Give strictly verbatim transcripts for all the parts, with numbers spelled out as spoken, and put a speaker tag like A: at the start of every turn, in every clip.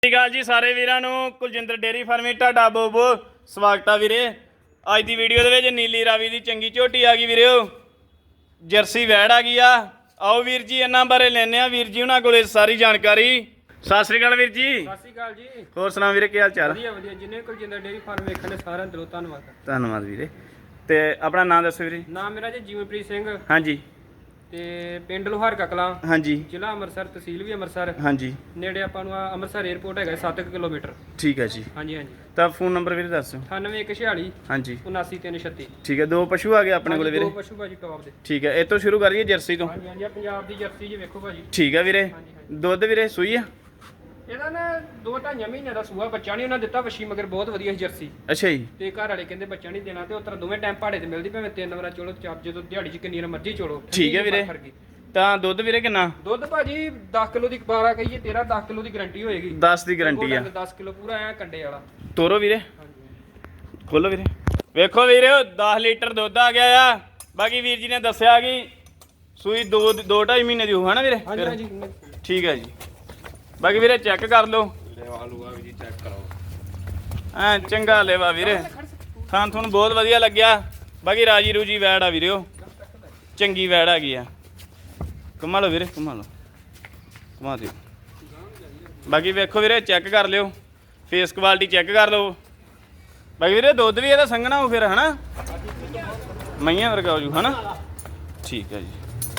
A: ਸਤਿ ਸ਼੍ਰੀ ਅਕਾਲ ਜੀ ਸਾਰੇ ਵੀਰਾਂ ਨੂੰ। ਕੁਲਜਿੰਦਰ ਡੇਅਰੀ ਫਾਰਮੇ ਤੁਹਾਡਾ ਬਹੁਤ ਬਹੁਤ ਸਵਾਗਤ ਆ ਵੀਰੇ। ਅੱਜ ਦੀ ਵੀਡੀਓ ਦੇ ਵਿੱਚ ਨੀਲੀ ਰਾਵੀ ਦੀ ਚੰਗੀ ਝੋਟੀ ਆ ਗਈ ਵੀਰਿਓ, ਜਰਸੀ ਵੈੜ ਆ ਗਈ ਆ। ਆਓ ਵੀਰ ਜੀ ਇਹਨਾਂ ਬਾਰੇ ਲੈਣੇ ਆ ਵੀਰ ਜੀ ਉਹਨਾਂ ਕੋਲੇ ਸਾਰੀ ਜਾਣਕਾਰੀ। ਸਤਿ ਸ਼੍ਰੀ ਅਕਾਲ ਵੀਰ ਜੀ।
B: ਸਤਿ ਸ਼੍ਰੀ ਅਕਾਲ ਜੀ।
A: ਹੋਰ ਸੁਣਾ ਵੀਰੇ, ਕੀ ਹਾਲ ਚਾਲ?
B: ਵਧੀਆ ਵਧੀਆ। ਜਿੰਨੇ ਕੁਲਜਿੰਦਰ ਡੇਅਰੀ ਫਾਰਮ ਵੇਖਣ ਦੇ ਸਾਰਿਆਂ ਦਾ ਧੰਨਵਾਦ।
A: ਧੰਨਵਾਦ ਵੀਰੇ। ਤੇ ਆਪਣਾ ਨਾਮ ਦੱਸੋ ਵੀਰੇ।
B: ਨਾਮ ਮੇਰਾ ਜੀ ਜੀਵਨਪ੍ਰੀਤ ਸਿੰਘ
A: ਹਾਂਜੀ।
B: ਤੇ ਪਿੰਡ ਲੋਹਾਰ ਕਕਲਾਂ, ਹਾਂਜੀ, ਜ਼ਿਲ੍ਹਾ ਅੰਮ੍ਰਿਤਸਰ, ਤਹਿਸੀਲ ਵੀ ਅੰਮ੍ਰਿਤਸਰ, ਹਾਂਜੀ। ਨੇੜੇ ਆਪਾਂ ਨੂੰ ਅੰਮ੍ਰਿਤਸਰ 에ਅਰਪੋਰਟ ਹੈਗਾ ਸੱਤ ਕਿਲੋਮੀਟਰ।
A: ਠੀਕ ਹੈ ਜੀ।
B: ਹਾਂਜੀ ਹਾਂਜੀ।
A: ਤਾਂ ਫੋਨ ਨੰਬਰ ਵੀਰੇ ਦੱਸੋ।
B: ਅਠਾਨਵੇਂ ਇੱਕ ਛਿਆਲੀ
A: ਹਾਂਜੀ
B: ਉਨਾਸੀ ਤਿੰਨ ਛੱਤੀ।
A: ਠੀਕ ਹੈ। ਦੋ ਪਸ਼ੂ ਆ ਗਏ ਆਪਣੇ ਕੋਲੇ ਵੀਰੇ।
B: ਦੋ ਪਸ਼ੂ ਭਾਜੀ ਟੌਪ ਦੇ।
A: ਠੀਕ ਹੈ। ਇਹ ਤੋਂ ਸ਼ੁਰੂ ਕਰੀਏ ਜਰਸੀ ਤੋਂ।
B: ਹਾਂਜੀ ਹਾਂਜੀ। ਪੰਜਾਬ ਦੀ ਜਰਸੀ ਜੀ ਵੇਖੋ ਭਾਜੀ।
A: ਠੀਕ ਹੈ ਵੀਰੇ। ਦੁੱਧ ਵੀਰੇ ਸੂਈ ਆ?
B: ਇਹਦਾ ਨਾ ਦੋ ਢਾਈਆਂ ਮਹੀਨਿਆਂ ਦਾ ਸੂਆ, ਬੱਚਾ ਨਹੀਂ ਉਹਨਾਂ ਦਿੱਤਾ। ਵਸ਼ੀ ਮਗਰ ਬਹੁਤ ਵਧੀਆ ਜਰਸੀ।
A: ਅੱਛਾ ਜੀ।
B: ਤੇ ਘਰ ਵਾਲੇ ਕਹਿੰਦੇ ਬੱਚਾ ਨਹੀਂ ਦੇਣਾ, ਤੇ ਉਤਰਾ ਦੋਵੇਂ ਟਾਈਮ ਭਾੜੇ ਤੇ ਮਿਲਦੀ, ਭਾਵੇਂ ਤਿੰਨ ਵਾਰ ਚੋਲੋ, ਚਾਰ ਜਦੋਂ ਦਿਹਾੜੀ 'ਚ ਕਿੰਨੀ ਮਰਜ਼ੀ ਚੋਲੋ।
A: ਠੀਕ ਹੈ ਵੀਰੇ। ਤਾਂ ਦੁੱਧ ਵੀਰੇ ਕਿੰਨਾ?
B: ਦੁੱਧ ਭਾਜੀ ਦਸ ਕਿਲੋ ਦੀ, ਬਾਰਾਂ ਕਹੀਏ ਤੇਰਾਂ, ਦਸ ਕਿਲੋ ਦੀ ਗਾਰੰਟੀ ਹੋਏਗੀ।
A: ਦਸ ਦੀ ਗਾਰੰਟੀ ਆ।
B: ਦਸ ਕਿਲੋ ਪੂਰਾ ਐ ਕੰਡੇ ਵਾਲਾ।
A: ਤੋਰੋ ਵੀਰੇ, ਖੋਲੋ ਵੀਰੇ। ਵੇਖੋ ਵੀਰੇ ਦਸ ਲੀਟਰ ਦੁੱਧ ਆ ਗਿਆ ਆ। ਬਾਕੀ ਵੀਰ ਜੀ ਨੇ ਦੱਸਿਆ ਕਿ ਸੂਈ ਦੋ ਦੋ ਢਾਈ ਮਹੀਨੇ ਦੀ ਹੋ ਹੈ ਨਾ ਵੀਰੇ?
B: ਹਾਂਜੀ ਹਾਂਜੀ।
A: ਠੀਕ ਹੈ ਜੀ। ਬਾਕੀ ਵੀਰੇ ਚੈੱਕ ਕਰ ਲਓ।
B: ਲੇਵਾ ਲੂਆ ਵੀ ਜੀ ਚੈੱਕ ਕਰਾਓ।
A: ਐ ਚੰਗਾ ਲੇਵਾ ਵੀਰੇ, ਖਾਣ ਤੁਹਾਨੂੰ ਬਹੁਤ ਵਧੀਆ ਲੱਗਿਆ। ਬਾਕੀ ਰਾਜੀ ਰੂਜੀ ਵੈੜ ਆ ਵੀਰਿਓ, ਚੰਗੀ ਵੈੜ ਆ ਗਈ ਆ। ਘੁਮਾ ਲਓ ਵੀਰੇ, ਘੁਮਾ ਲਓ, ਘੁਮਾ ਦਿਓ। ਬਾਕੀ ਵੇਖੋ ਵੀਰੇ, ਚੈੱਕ ਕਰ ਲਿਓ, ਫੇਸ ਕੁਆਲਿਟੀ ਚੈੱਕ ਕਰ ਲਓ। ਬਾਕੀ ਵੀਰੇ ਦੁੱਧ ਵੀ ਇਹਦਾ ਸੰਘਣਾ ਹੋ ਫਿਰ ਹਨਾ, ਮਈਆਂ ਵਰਗਾ ਹੋ ਜੂ ਹਨਾ। ਠੀਕ ਹੈ ਜੀ।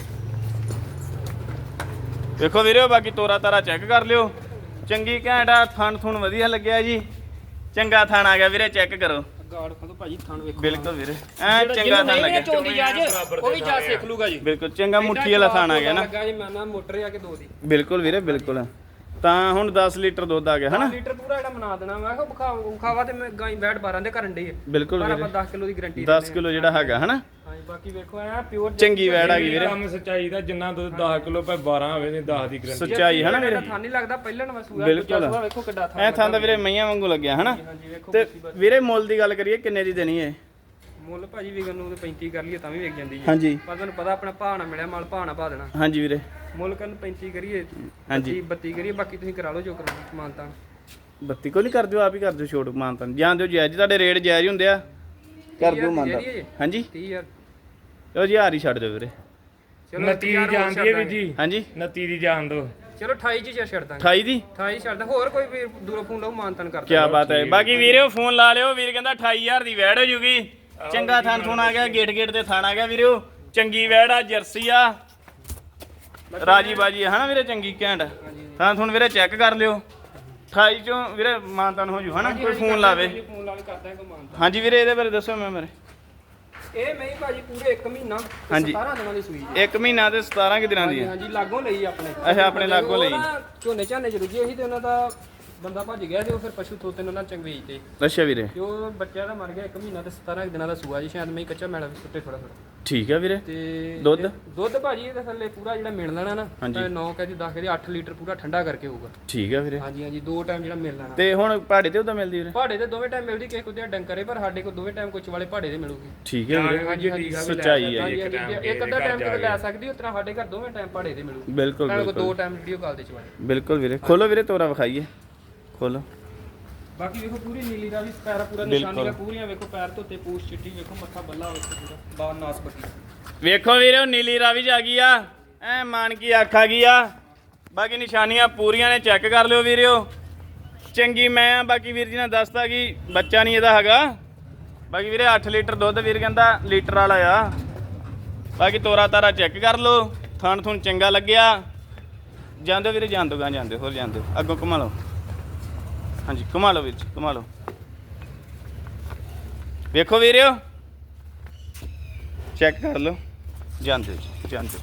A: ਵੇਖੋ ਵੀਰੇ, ਬਾਕੀ ਤੋਰਾ ਤਾਰਾ ਚੈੱਕ ਕਰ ਲਿਓ। ਚੰਗੀ ਘੈਂਟ ਆ, ਥਣ ਥੁਣ ਵਧੀਆ ਲੱਗਿਆ ਜੀ। ਚੰਗਾ ਥਣ ਆ ਗਿਆ ਵੀਰੇ, ਚੈੱਕ ਕਰੋ।
B: ਗਾੜ ਖੋਲੋ ਭਾਜੀ, ਥਣ ਵੇਖੋ।
A: ਬਿਲਕੁਲ ਵੀਰੇ, ਐ ਚੰਗਾ ਥਣ ਲੱਗਿਆ।
B: ਚੋਂਦੀ ਜਾਜ ਉਹ ਵੀ ਜਾ ਸਿੱਖ ਲੂਗਾ ਜੀ।
A: ਬਿਲਕੁਲ ਚੰਗਾ ਮੁੱਠੀ ਵਾਲਾ ਥਣ ਆ ਗਿਆ ਨਾ।
B: ਲੱਗਾ ਜੀ, ਮੈਂ ਨਾ ਮੋਟਰ ਆ ਕੇ ਦੋ ਦੀ।
A: ਬਿਲਕੁਲ ਵੀਰੇ, ਬਿਲਕੁਲ। ਤਾਂ ਹੁਣ ਦਸ ਲੀਟਰ ਦੁੱਧ ਆ ਗਿਆ ਹਨਾ।
B: ਦਸ ਲੀਟਰ ਪੂਰਾ ਜਿਹੜਾ ਬਣਾ ਦੇਣਾ। ਮੈਂ ਕਿਹਾ ਬਖਾਵਾ ਖਾਵਾ ਤੇ ਮੈਂ ਗਾਈ ਬੈਠ ਬਾਰਾਂ ਦੇ ਕਰਨ ਡੇ।
A: ਬਿਲਕੁਲ ਵੀਰੇ,
B: ਆਪਾਂ ਦਸ ਕਿਲੋ ਦੀ ਗਾਰੰਟੀ।
A: ਦਸ ਕਿਲੋ ਜਿਹੜਾ ਹੈਗਾ ਹਨਾ।
B: ਹਾਂਜੀ। ਬਾਕੀ ਵੇਖੋ ਐ ਪਿਓਰ
A: ਚੰਗੀ ਵੈੜ ਆ ਗਈ ਵੀਰੇ।
C: ਕੰਮ ਸੱਚਾਈ ਦਾ, ਜਿੰਨਾ ਦੁੱਧ ਦਸ ਕਿਲੋ ਪੈ ਬਾਰਾਂ ਹੋਵੇ ਨੇ ਦਸ ਦੀ ਗਰੰਟੀ।
A: ਸੱਚਾਈ ਹਨਾ ਵੀਰੇ।
B: ਥਾਂ ਨਹੀਂ ਲੱਗਦਾ ਪਹਿਲਾਂ ਨਵਾਂ ਸੂਆ।
A: ਬਿਲਕੁਲ।
B: ਵੇਖੋ ਕਿੱਡਾ ਥਾਂ।
A: ਐ ਥਾਂ ਦਾ ਵੀਰੇ ਮਈਆਂ ਵਾਂਗੂ ਲੱਗਿਆ ਹਨਾ।
B: ਹਾਂਜੀ ਵੇਖੋ।
A: ਤੇ ਵੀਰੇ ਮੁੱਲ ਦੀ ਗੱਲ ਕਰੀਏ, ਕਿੰਨੇ ਦੀ ਦੇਣੀ ਹੈ?
B: ਮੁੱਲ ਭਾਜੀ ਵਿਕਣ ਨੂੰ ਪੈਂਤੀ ਕਰ ਲਈਏ ਤਾਂ ਵੀ ਵਿਕ ਜਾਂਦੀ ਹੈ।
A: ਹਾਂਜੀ।
B: ਪਰ ਤੁਹਾਨੂੰ ਪਤਾ ਆਪਣਾ ਭਾਅ ਨਾ ਮਿਲਿਆ, ਮਾਲ ਭਾਅ ਨਾ ਪਾ ਦੇਣਾ।
A: ਹਾਂਜੀ ਵੀਰੇ।
B: ਮੁੱਲ ਕਰਨ ਪੈਂਤੀ ਕਰੀਏ,
A: ਹਾਂਜੀ
B: ਬੱਤੀ ਕਰੀਏ, ਬਾਕੀ ਤੁਸੀਂ ਕਰਾ ਲਓ ਜੋ ਕਰਾਉਣਾ ਮਾਨਤਾ।
A: ਬੱਤੀ ਕੋ ਨਹੀਂ ਕਰ ਦਿਓ, ਆਪ ਹੀ ਕਰ ਦਿਓ ਛੋਟ ਮਾਨਤਾ। ਜਾਂ ਦਿਓ ਜਾਇਜ਼, ਤੁਹਾਡੇ ਰੇਟ ਜਾਇਜ਼ ਹੁੰਦੇ ਆ, ਕਰ ਦਿਓ ਮਾਨਤਾ। ਹਾਂਜੀ
B: ਤੀਹ ਹਜ਼ਾਰ।
A: ਚਲੋ ਜੀ ਹਜ਼ਾਰ ਹੀ ਛੱਡ ਦਿਓ ਵੀਰੇ।
B: ਚਲੋ
C: ਨਤੀ ਦੀ ਜਾਣਦੀ ਹੈ ਵੀ ਜੀ।
A: ਹਾਂਜੀ
C: ਨਤੀ ਦੀ ਜਾਣ ਦੋ।
B: ਚਲੋ ਅਠਾਈ ਚ ਛੱਡ ਦਾਂਗੇ।
A: ਅਠਾਈ ਦੀ?
B: ਅਠਾਈ ਛੱਡ ਦਾਂ। ਹੋਰ ਕੋਈ ਵੀਰ ਦੂਰੋਂ ਫੋਨ ਲਾਓ, ਮਾਨਤਨ ਕਰ
A: ਕੀ ਬਾਤ ਹੈ। ਬਾਕੀ ਵੀਰੇ ਫੋਨ ਲਾ ਲਿਓ, ਵੀਰ ਕਹਿੰਦਾ ਅਠਾਈ ਹਜ਼ਾਰ ਦੀ ਵੈੜ ਹੋ ਜੂਗੀ। ਚੰਗਾ ਥਣ ਥੁਣ ਆ ਗਿਆ, ਗੇਟ ਗੇਟ ਤੇ ਥਣ ਆ ਗਿਆ ਵੀਰੇ। ਚੰਗੀ ਵੈੜ ਆ, ਜਰਸੀ ਆ, ਰਾਜੀ ਬਾਜੀ ਹਨਾ ਵੀਰੇ, ਚੰਗੀ ਘੈਂਟ ਥਣ ਥੁਣ ਵੀਰੇ। ਚੈੱਕ ਕਰ ਲਿਓ। ਅਠਾਈ ਚੋਂ ਵੀਰੇ ਮਾਨਤਨ ਹੋ ਜੂ ਹਨਾ। ਕੋਈ ਫੋਨ ਲਾਵੇ।
B: ਫੋਨ ਲਾ ਕੇ ਕਰ ਦਾਂਗੇ ਮਾਨਤਨ।
A: ਹਾਂਜੀ ਵੀਰੇ, ਇਹਦੇ ਬਾਰੇ ਦੱਸੋ ਮੈਂ ਮੇਰੇ।
B: ਇਹ ਮੈਂ ਭਾਜੀ ਪੂਰੇ ਇੱਕ ਮਹੀਨਾ
A: ਹਾਂਜੀ।
B: ਸਤਾਰਾਂ ਦਿਨਾਂ ਦੀ ਸੂਈ।
A: ਇੱਕ ਮਹੀਨਾ ਤੇ ਸਤਾਰਾਂ ਕਿ ਦਿਨਾਂ ਦੀ ਹੈ?
B: ਹਾਂਜੀ ਲਾਗੋਂ ਲਈ ਆਪਣੇ।
A: ਅੱਛਾ, ਆਪਣੇ ਲਾਗੋਂ ਲਈ।
B: ਝੋਨੇ ਝਾਨੇ ਚ ਰੁੱਝੇ ਸੀ ਤੇ ਉਹਨਾਂ ਦਾ ਬੰਦਾ ਭੱਜ ਗਿਆ ਤੇ ਉਹ ਫਿਰ ਪਸ਼ੂ ਤੋਤੇ ਉਹਨਾਂ ਚੰਗ ਵੇਚਦੇ।
A: ਅੱਛਾ ਵੀਰੇ।
B: ਜੋ ਬੱਚਾ ਦਾ ਮਰ ਗਿਆ, ਇੱਕ ਮਹੀਨਾ ਤੇ ਸਤਾਰਾਂ ਦਿਨਾਂ ਦਾ ਸੂਆ ਜੀ। ਸ਼ਾਇਦ ਮੈਂ ਕੱਚਾ ਮੈਲਾ ਵੀ ਸੁੱਟੇ ਥੋੜਾ ਥੋੜਾ।
A: ਠੀਕ ਹੈ ਵੀਰੇ।
B: ਤੇ
A: ਦੁੱਧ?
B: ਦੁੱਧ ਭਾਜੀ ਇਹਦੇ ਥੱਲੇ ਪੂਰਾ ਜਿਹੜਾ ਮਿਲ ਲੈਣਾ ਨਾ,
A: ਹਾਂਜੀ।
B: ਨੌ ਕਹਦੀ ਦਸ ਕਹਦੀ ਅੱਠ ਲੀਟਰ ਪੂਰਾ ਠੰਡਾ ਕਰਕੇ ਹੋਊਗਾ।
A: ਠੀਕ ਹੈ ਵੀਰੇ।
B: ਹਾਂਜੀ ਹਾਂਜੀ। ਦੋ ਟਾਈਮ ਜਿਹੜਾ ਮਿਲ ਲੈਣਾ।
A: ਤੇ ਹੁਣ ਪਹਾੜੇ ਤੇ ਉਹਦਾ ਮਿਲਦੀ ਵੀਰੇ?
B: ਪਹਾੜੇ ਤੇ ਦੋਵੇਂ ਟਾਈਮ ਮਿਲਦੀ, ਕਿਸੇ ਕੋ ਤੇ ਡੰਕਰੇ, ਪਰ ਸਾਡੇ ਕੋਲ ਦੋਵੇਂ ਟਾਈਮ ਕੁਛ ਵਾਲੇ ਪਹਾੜੇ ਤੇ ਮਿਲੂਗੀ।
A: ਠੀਕ ਹੈ ਵੀਰੇ।
B: ਹਾਂਜੀ ਹਾਂਜੀ।
A: ਸੱਚਾਈ ਹੈ ਜੀ।
B: ਇੱਕ ਅੱਧਾ ਟਾਈਮ ਤੇ ਲੈ ਸਕਦੀ, ਉਤਨਾ ਸਾਡੇ ਘਰ ਦੋਵੇਂ ਟਾਈਮ ਪਹਾੜੇ ਤੇ ਮਿਲੂਗੀ।
A: ਬਿਲਕੁਲ
B: ਬਿਲਕੁਲ। ਦੋ ਟਾਈਮ ਵੀਡੀਓ ਕਾਲ ਤੇ ਚਵਾਏ।
A: ਬਿਲਕੁਲ ਵੀਰੇ। ਖੋਲੋ ਵੀਰੇ, ਤੋਰਾ ਵਿਖਾਈਏ, ਖੋਲੋ।
B: ਬਾਕੀ ਵੇਖੋ ਪੂਰੀ ਨੀਲੀ ਦਾ ਵੀ ਪੈਰ ਪੂਰਾ ਨਿਸ਼ਾਨੀਆਂ ਪੂਰੀਆਂ ਵੇਖੋ। ਪੈਰ ਧੋਤੇ, ਪੂਛ ਚਿੱਟੀ ਵੇਖੋ, ਮੱਥਾ ਬੱਲਾ ਵੇਖੋ ਪੂਰਾ, ਬਾਹਰ ਨਾਸ ਬੱਕੀ
A: ਵੇਖੋ ਵੀਰੇ। ਉਹ ਨੀਲੀ ਰਾਵੀ ਆ ਗਈ ਆ, ਐ ਮਾਨ ਕੀ ਅੱਖ ਆ ਗਈ ਆ। ਬਾਕੀ ਨਿਸ਼ਾਨੀਆਂ ਪੂਰੀਆਂ ਨੇ, ਚੈੱਕ ਕਰ ਲਿਓ ਵੀਰਿਓ। ਚੰਗੀ ਮੈਂ ਆ। ਬਾਕੀ ਵੀਰ ਜੀ ਨੇ ਦੱਸਤਾ ਕਿ ਬੱਚਾ ਨਹੀਂ ਇਹਦਾ ਹੈਗਾ। ਬਾਕੀ ਵੀਰੇ ਅੱਠ ਲੀਟਰ ਦੁੱਧ ਵੀਰ ਕਹਿੰਦਾ ਲੀਟਰ ਵਾਲਾ ਆ। ਬਾਕੀ ਤੋਰਾ ਤਾਰਾ ਚੈੱਕ ਕਰ ਲਓ। ਥਣ ਥੁਣ ਚੰਗਾ ਲੱਗਿਆ। ਜਾਂਦੇ ਵੀਰੇ, ਜਾਂਦੋ ਗਾਂ ਜਾਂਦੇ, ਹੋਰ ਜਾਂਦੇ ਅੱਗੋਂ ਘੁਮਾ ਲਓ। ਹਾਂਜੀ ਘੁਮਾ ਲਓ ਵੀਰ ਜੀ, ਘੁਮਾ ਲਓ। ਵੇਖੋ ਵੀਰਿਓ, ਚੈੱਕ ਕਰ ਲਓ। ਜਾਂਦੇ ਜੀ, ਜਾਂਦੇ।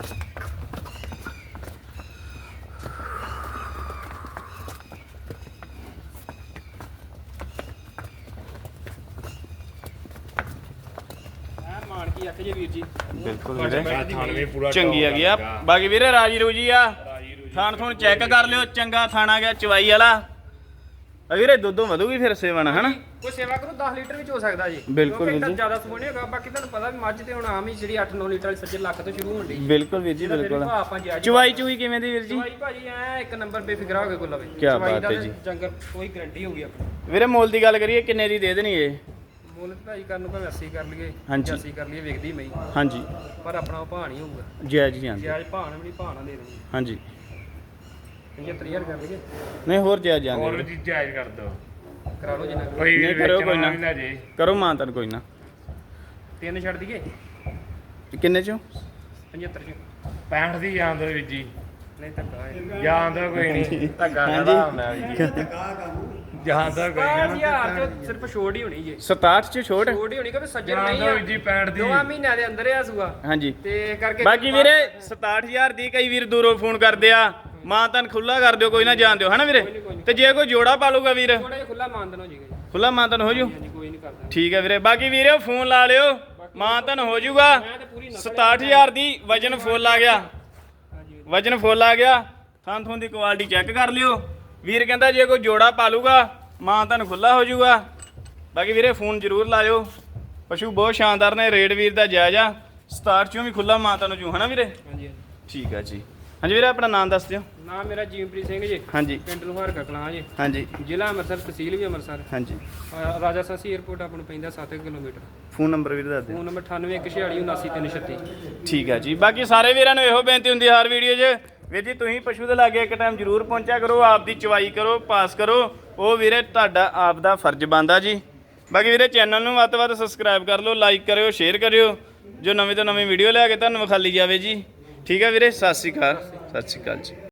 B: ਮਾਨ ਕੀ ਅੱਖ ਜੇ ਵੀਰ ਜੀ।
A: ਬਿਲਕੁਲ ਵੀਰੇ,
C: ਪੂਰਾ
A: ਚੰਗੀ ਆ ਗਈ ਆ। ਬਾਕੀ ਵੀਰੇ ਰਾਜੀ ਰੂਜੀ ਆ। ਥਾਣ ਥੁਣ ਚੈੱਕ ਕਰ ਲਿਓ, ਚੰਗਾ ਥਾਣਾ ਗਿਆ ਚਵਾਈ ਵਾਲਾ। ਵੀਰੇ ਦੁੱਧੋਂ ਵਧੂਗੀ ਫਿਰ ਸੇਵਨ ਹਨਾ।
B: ਕੋਈ ਸੇਵਾ ਕਰੂ ਦਸ ਲੀਟਰ ਵਿੱਚ ਹੋ ਸਕਦਾ ਜੀ।
A: ਬਿਲਕੁਲ ਵੀਰ ਜੀ।
B: ਜ਼ਿਆਦਾ ਸੋਹਣੇ ਹੋਗਾ। ਬਾਕੀ ਤੁਹਾਨੂੰ ਪਤਾ ਵੀ ਮੱਝ ਤੇ ਹੁਣ ਆਮ ਹੀ ਜਿਹੜੀ ਅੱਠ ਨੌ ਲੀਟਰ ਵਾਲੀ ਸੱਜੇ ਲੱਖ ਤੋਂ ਸ਼ੁਰੂ ਹੁੰਦੀ।
A: ਬਿਲਕੁਲ ਵੀਰ ਜੀ ਬਿਲਕੁਲ।
B: ਆਪਾਂ ਜੀ
A: ਚਵਾਈ ਚੂਈ ਕਿਵੇਂ ਦੀ ਵੀਰ ਜੀ?
B: ਚਵਾਈ ਭਾਜੀ ਐ ਇੱਕ ਨੰਬਰ ਬੇਫਿਕਰਾ ਹੋ ਕੇ ਕੋਲ ਲਵੇ।
A: ਕੀ ਬਾਤ ਹੈ ਜੀ।
B: ਜੰਗਲ ਕੋਈ ਗਾਰੰਟੀ ਹੋਊਗੀ ਆਪਣੀ।
A: ਵੀਰੇ ਮੁੱਲ ਦੀ ਗੱਲ ਕਰੀਏ ਕਿੰਨੇ ਦੀ ਦੇ ਦੇਣੀ ਇਹ?
B: ਮੁੱਲ ਭਾਜੀ ਕਰਨ ਨੂੰ ਭਾਵੇਂ ਅੱਸੀ ਕਰ ਲਈਏ
A: ਹਾਂਜੀ।
B: ਅੱਸੀ ਕਰ ਲਈਏ ਵੇਖਦੀ ਮੈਂ
A: ਹਾਂਜੀ
B: ਪਰ ਆਪਣਾ ਉਹ ਭਾਅ ਨਹੀਂ ਹੋਊਗਾ।
A: ਜੈ ਜੀ ਜਾਂਦੇ
B: ਜਾਇਜ਼ ਭਾਅ ਨਾਲ ਵੀ ਭਾਅ ਨਾਲ ਦੇ ਦੇਣੀ।
A: ਹਾਂਜੀ
B: ਪਝੱਤਰ ਹਜ਼ਾਰ ਕਰ ਲਈਏ।
A: ਨਹੀਂ ਹੋਰ ਜੈ ਜਾਂਦੇ
C: ਹੋਰ ਵੀ ਜਾਇਜ਼ ਕਰ ਦੋ
B: ਕਰਾ ਲਓ ਜਿੰਨਾ
C: ਕੋਈ
A: ਨਹੀਂ ਕਰੋ ਕੋਈ ਨਾ
C: ਵੀ ਲੈ ਜੇ
A: ਕਰੋ ਮਾਂ ਤਨ ਕੋਈ ਨਾ।
B: ਤਿੰਨ ਛੱਡ ਦਈਏ
A: ਕਿੰਨੇ ਚੋਂ?
B: ਪਝੱਤਰ ਚ
C: ਪੈਂਹਠ ਦੀ ਜਾਣ ਦੋ ਵੀਰ ਜੀ।
B: ਨਹੀਂ ਧੱਕਾ ਹੈ।
C: ਜਾਣ ਦੋ ਕੋਈ ਨਹੀਂ ਧੱਕਾ ਕਹਦਾ ਹੁੰਦਾ ਵੀਰ ਜੀ। ਜਾਣ ਦੋ ਕੋਈ
B: ਪੰਜ
C: ਨਹੀਂ
B: ਹਜ਼ਾਰ ਚ ਸਿਰਫ ਛੋੜ ਹੀ ਹੋਣੀ ਜੀ।
A: ਸਤਾਹਠ ਚ ਛੋਟ।
B: ਛੋੜ ਹੀ ਹੋਣੀ ਕਿ ਸੱਜਣ
C: ਜਾਣ
B: ਨਹੀਂ
C: ਦੋ
B: ਆ
C: ਵੀਰ ਜੀ ਪੈਂਹਠ ਦੀ।
B: ਦੋਵਾਂ ਮਹੀਨਿਆਂ ਦੇ ਅੰਦਰ ਆ ਸੂਆ
A: ਹਾਂਜੀ
B: ਤੇ ਕਰਕੇ
A: ਬਾਕੀ ਵੀਰੇ ਸਤਾਹਠ ਹਜ਼ਾਰ ਦੀ ਕਈ ਵੀਰ ਦੂਰੋਂ ਫੋਨ ਕਰਦੇ ਆ ਮਾਂ ਤਨ ਖੁੱਲਾ ਕਰ ਦਿਓ ਕੋਈ ਨਾ ਜਾਣ ਦਿਓ ਹਨਾ ਵੀਰੇ। ਤੇ ਜੇ ਕੋਈ ਜੋੜਾ ਪਾਲੂਗਾ ਵੀਰ
B: ਥੋੜਾ ਜਿਹਾ ਖੁੱਲਾ ਮਾਨਦਨ ਹੋ ਜਾਏਗਾ ਜੀ।
A: ਖੁੱਲਾ ਮਾਂ ਤਨ ਹੋ ਜੂ।
B: ਹਾਂਜੀ ਕੋਈ ਨਹੀਂ ਕਰਦਾ।
A: ਠੀਕ ਹੈ ਵੀਰੇ ਬਾਕੀ ਵੀਰੇ ਫੋਨ ਲਾ ਲਿਓ ਮਾਂ ਤਨ ਹੋ ਜੂਗਾ।
B: ਮੈਂ ਤੇ ਪੂਰੀ ਨਸਲ
A: ਸਤਾਹਠ ਹਜ਼ਾਰ ਦੀ ਵਜਨ ਫੁੱਲ ਆ ਗਿਆ।
B: ਹਾਂਜੀ
A: ਵਜਨ ਫੁੱਲ ਆ ਗਿਆ। ਥਾਂ ਥੋਂ ਦੀ ਕੁਆਲਿਟੀ ਚੈੱਕ ਕਰ ਲਿਓ। ਵੀਰ ਕਹਿੰਦਾ ਜੇ ਕੋਈ ਜੋੜਾ ਪਾਲੂਗਾ ਮਾਂ ਤਨ ਖੁੱਲਾ ਹੋ ਜੂਗਾ। ਬਾਕੀ ਵੀਰੇ ਫੋਨ ਜ਼ਰੂਰ ਲਾਇਓ। ਪਸ਼ੂ ਬਹੁਤ ਸ਼ਾਨਦਾਰ ਨੇ। ਰੇਟ ਵੀਰ ਦਾ ਜਾਇਜ਼ ਆ। ਸਤਾਹਠ ਚੋਂ ਵੀ ਖੁੱਲਾ ਮਾਂ ਤਨ ਜੂ ਹਨਾ ਵੀਰੇ।
B: ਹਾਂਜੀ ਹਾਂਜੀ।
A: ਠੀਕ ਆ ਜੀ। ਹਾਂਜੀ ਵੀਰੇ ਆਪਣਾ ਨਾਮ ਦੱਸ ਦਿਓ।
B: ਨਾਮ ਮੇਰਾ ਜੀਵਪ੍ਰੀਤ ਸਿੰਘ ਜੀ।
A: ਹਾਂਜੀ
B: ਪਿੰਡ ਲੋਹਾਰ ਕਲਾਂ ਜੀ।
A: ਹਾਂਜੀ
B: ਜ਼ਿਲ੍ਹਾ ਅੰਮ੍ਰਿਤਸਰ ਤਹਿਸੀਲ ਵੀ ਅੰਮ੍ਰਿਤਸਰ।
A: ਹਾਂਜੀ
B: ਅਹ ਰਾਜਾ ਸਾਸੀ 에ਅਰਪੋਰਟ ਆਪਾਂ ਨੂੰ ਪੈਂਦਾ ਸੱਤ ਕਿਲੋਮੀਟਰ।
A: ਫੋਨ ਨੰਬਰ ਵੀਰ ਦੱਸ ਦਿਓ।
B: ਫੋਨ ਨੰਬਰ ਅਠਾਨਵੇਂ ਇੱਕ ਛਿਆਲੀ ਉਨਾਸੀ ਤਿੰਨ ਛੱਤੀ।
A: ਠੀਕ ਆ ਜੀ। ਬਾਕੀ ਸਾਰੇ ਵੀਰਾਂ ਨੂੰ ਇਹੋ ਬੇਨਤੀ ਹੁੰਦੀ ਹਰ ਵੀਡੀਓ 'ਚ ਵੀਰ ਜੀ ਤੁਸੀਂ ਪਸ਼ੂ ਦੇ ਲਾਗੇ ਇੱਕ ਟਾਈਮ ਜ਼ਰੂਰ ਪਹੁੰਚਿਆ ਕਰੋ। ਆਪ ਦੀ ਚਵਾਈ ਕਰੋ ਪਾਸ ਕਰੋ। ਉਹ ਵੀਰੇ ਤੁਹਾਡਾ ਆਪ ਦਾ ਫਰਜ਼ ਬਣਦਾ ਜੀ। ਬਾਕੀ ਵੀਰੇ ਚੈਨਲ ਨੂੰ ਵੱਧ ਤੋਂ ਵੱਧ ਸਬਸਕ੍ਰਾਈਬ ਕਰ ਲਓ ਲਾਈਕ ਕਰਿਓ ਸ਼ੇਅਰ ਕਰਿਓ ਜੋ ਨਵੀਂ ਤੋਂ ਨਵੀਂ ਵੀਡੀਓ ਲੈ ਕੇ ਤੁਹਾਨੂੰ ਵਿਖਾਲੀ ਜਾਵੇ ਜੀ। ਠੀਕ ਹੈ ਵੀਰੇ ਸਤਿ ਸ਼੍ਰੀ ਅਕਾਲ। ਸਤਿ ਸ਼੍ਰੀ ਅਕਾਲ ਜੀ।